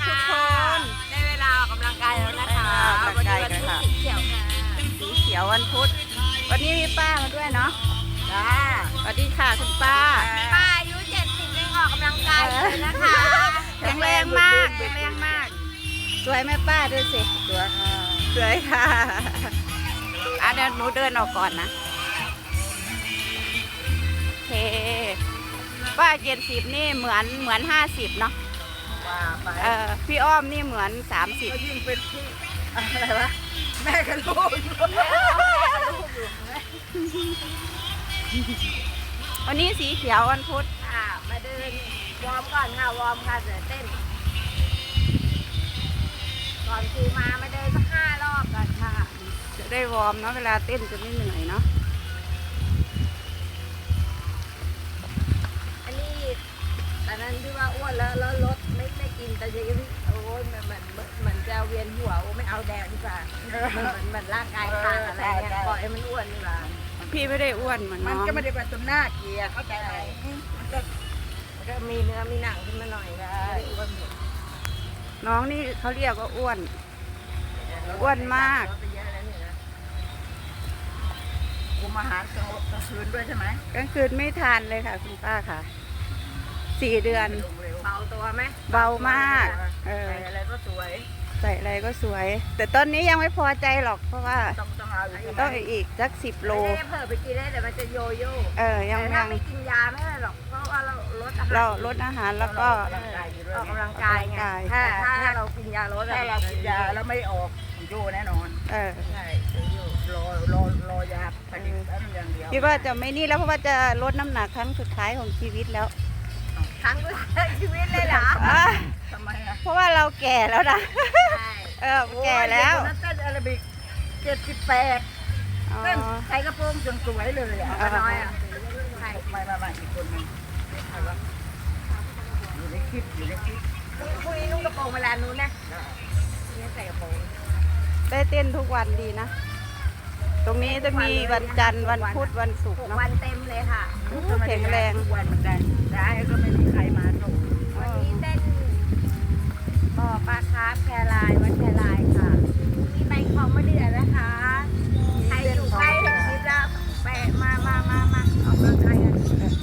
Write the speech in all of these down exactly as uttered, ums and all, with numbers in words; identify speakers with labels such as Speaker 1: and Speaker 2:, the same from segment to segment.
Speaker 1: ทุกคน
Speaker 2: ได้เวลาออกกำลังกายแล้วนะคะวันนี้วันพุธสีเขียวค่ะ
Speaker 1: สีเขียววันพุธวันนี้มีป้ามาด้วยเนาะจ้าสวัสดีค่ะคุณป้า
Speaker 2: ป้าอายุเจ็ดสิบยังออกกำลังกายเลยนะคะ
Speaker 1: แข็งแรงมากแข็งแรงมากสวยไหมป้าดูสิสวยค่ะสวยค่ะอ่ะเดี๋ยวหนูเดินออกก่อนนะโอเคป้าเจ็ดสิบนี่เหมือนเหมือนห้าสิบเนาะเออพี่อ้อมนี่เหมือนสามสิบ
Speaker 2: ยิ่งเป็นพี่อะไรวะแม่กับลูก
Speaker 1: วันนี้สีเขียววันพุธ
Speaker 2: ค่ะมาเดินวอร์มก่อนค่ะวอร์มค่ะเดี๋ยวเต้นก่อนครูมามาเดินสักห้ารอบก่อนค่ะ
Speaker 1: จะได้วอร์มเนาะเวลาเต้นจะไม่เหนื่อยเนาะ
Speaker 2: อันนี้ตอนนั้นที่ว่าอ้วนแล้วแล้วลดไม่ไม่กินแต่ยังโอ้ยมันมันมันจะเวียนหัวโอ้ไม่เอาแดงดีกว่ามันมันร่างกายพังอะไรเงี้ยปล่อยให้มันอ้วนดีกว่า
Speaker 1: พี่ไม่ได้อ้วนเหมือนน้อง
Speaker 2: มันก็ไม่ได้แบบตรงหน้าเกียร์เข้าใจไหมมันก็มันก็มีเนื้อมีหนังขึ้นมาหน่อยได้อ้วน
Speaker 1: น้องนี่เขาเรียกว่าอ้วนอ้วนมาก
Speaker 2: คุมอาหารกลางคืนด้วยใช่ไหม
Speaker 1: กลางคืนไม่ทานเลยค่ะคุณป้าค่ะสี่เดือน
Speaker 2: เบาตัวไหม
Speaker 1: เบามากเออ
Speaker 2: ใส่อะไรก็สวย
Speaker 1: ใส่อะไรก็สวยแต่ตอนนี้ยังไม่พอใจหรอกเพราะว่า
Speaker 2: ต้องต้องเอาอีก
Speaker 1: ต้องอีกสักสิบโล
Speaker 2: ไม่ได้เพิ่มไปกินได้แต่มันจะโยโย่
Speaker 1: เออยัง
Speaker 2: ยังไม่กินยาไม่ได้หรอกเพราะว่าเราลดอาหาร
Speaker 1: เราลดอาหารแล้วก็
Speaker 2: ออกกำลังกายไงถ้าถ้าเรากินยาลดถ้าเรากินยาแล้วไม่ออกโยแน่นอน
Speaker 1: เออ
Speaker 2: ใช่โยรอรอรอยาผลิตอย่างเดียว
Speaker 1: คิดว่าจะไม่นี่แล้วเพราะว่าจะลดน้ำหนักครั้งสุดท้ายของชีวิตแล้ว
Speaker 2: ครั้งสุดท้ายชีวิตเลยเหรอ
Speaker 1: ทำไมอ่ะเพราะว่าเราแก่แล้วนะเออแก่แล้ว
Speaker 2: นั่นเต้นอาราบิกเจ็ดสิบแปดเต้นใส่กระโปรงจนสวยเลยอ่ะน้อยอ่ะใช่ไม่ไม่ไม่อีกคนนึงอยู่ในคลิปอยู่ในคลิปพรุ่งนี้นุ่งกระโปรงเวลานู้นนะนี่ใส่กระโปรง
Speaker 1: ได้เต้นทุกวันดีนะตรงนี้จะมีวันจันทร์วันพุธวันศุกร์เนาะ
Speaker 2: วันเต็มเลยค่ะ
Speaker 1: แข็งแรง
Speaker 2: ทุกวันเหมือนกันได้ก็ไม่มีใครมาส่งวันนี้เต้นบ่อปลาคาร์ฟแพรลายวัดแพรลายค่ะมีใบของมะเดื่อนะคะใครอยู่ใกล้ถึงคิดแล้วไปมามามามาออกกำลังกายกัน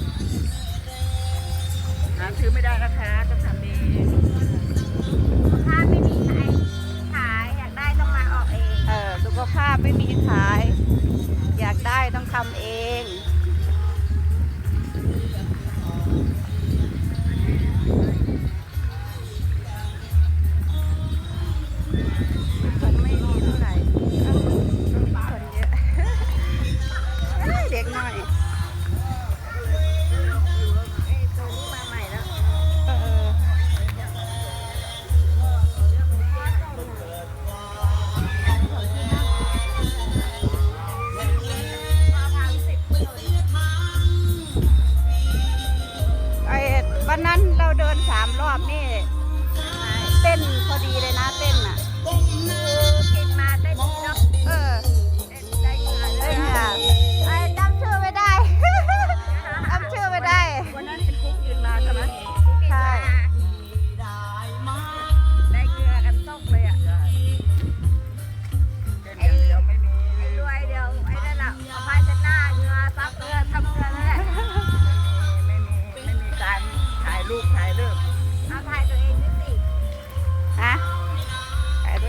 Speaker 2: หาซื้อไม่ได้นะคะต้องทำเองถ้าไม่มีใครขายอยากได้ต้องมาออกเอง
Speaker 1: เออสุขภาพไม่มีขายอยากได้ต้องทำเองคนไม่มีเท่าไหร่คนเยอะเด็กหน่อย
Speaker 2: ไอ้ตัวนี้มาใหม่แล้ว
Speaker 1: เออวันนั้นเราเดินสามรอบนี่เต้นพอดีเลยนะเต้นอ่ะ
Speaker 2: กินมาเต้นดีเนาะ
Speaker 1: เออ
Speaker 2: เต้นได้ค่ะ
Speaker 1: เต้นค่ะไอ้จำชื่อไม่ได้จำชื่อไม่ได้
Speaker 2: วันนั้นเห็นคุกยืนมาใช่ไหม